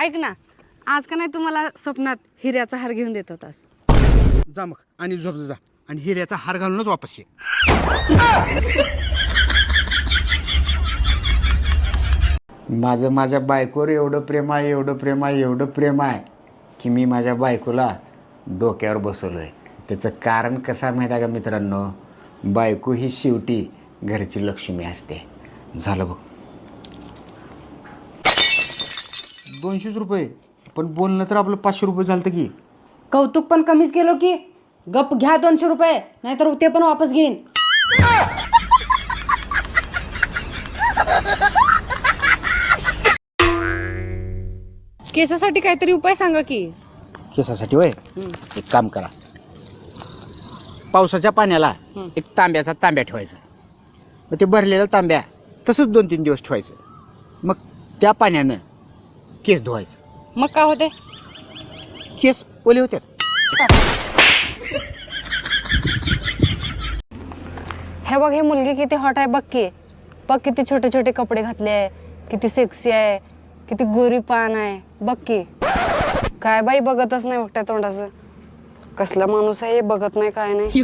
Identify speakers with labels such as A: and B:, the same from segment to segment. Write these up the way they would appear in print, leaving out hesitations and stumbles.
A: ऐक ना, आज का नाही तुम्हाला स्वप्नात हिऱ्याचा हार घेऊन देत होतास.
B: जा मग आणि झोप जा आणि हिऱ्याचा हार घालूनच वापस ये.
C: माझं माझ्या बायकोवर एवढं प्रेम आहे, एवढं प्रेम आहे, एवढं प्रेम आहे की मी माझ्या बायकोला डोक्यावर बसवलो आहे. त्याचं कारण कसं आहे माहीत आहे का मित्रांनो, बायको ही शेवटी घरची लक्ष्मी असते. झालं बघ 200 रुपये, पण बोलणं तर आपलं 500 रुपये झालं की.
A: कौतुक पण कमीच केलो की. गप घ्या 200 रुपये, नाहीतर ते पण वापस घेईन. केसासाठी काहीतरी उपाय सांगा की.
B: केसासाठी होय, एक काम करा. पावसाच्या पाण्याला एक तांब्याचा तांब्या ठेवायचा. मग ते भरलेला तांब्या तसंच 2-3 दिवस ठेवायचं. मग त्या पाण्यानं केस धुवायचं.
A: मग काय होते?
B: केस ओले होतात.
A: हे बघ, हे मुलगी किती हॉट आहे बघ की. बघ किती छोटे छोटे कपडे घातले आहे, किती सेक्सी आहे, किती गोरी पान आहे बघ की. काय बाई बघतच नाही एकट्या तोंडाचं. कसला माणूस आहे हे, बघत नाही काय नाही.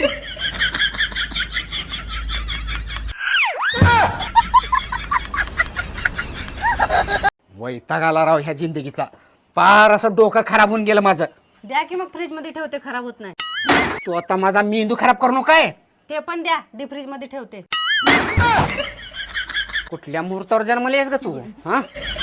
B: वैताग आला राव ह्या जिंदगीचा. पार असं डोकं खराब होऊन गेलं माझं.
A: द्या की मग, फ्रीज मध्ये ठेवते, खराब होत नाही.
B: तू आता माझा मेंदू खराब करू नको काय.
A: ते पण द्या, डीप फ्रीज मध्ये ठेवते.
B: कुठल्या मुहूर्तावर जन्मली आहेस ग तू? हा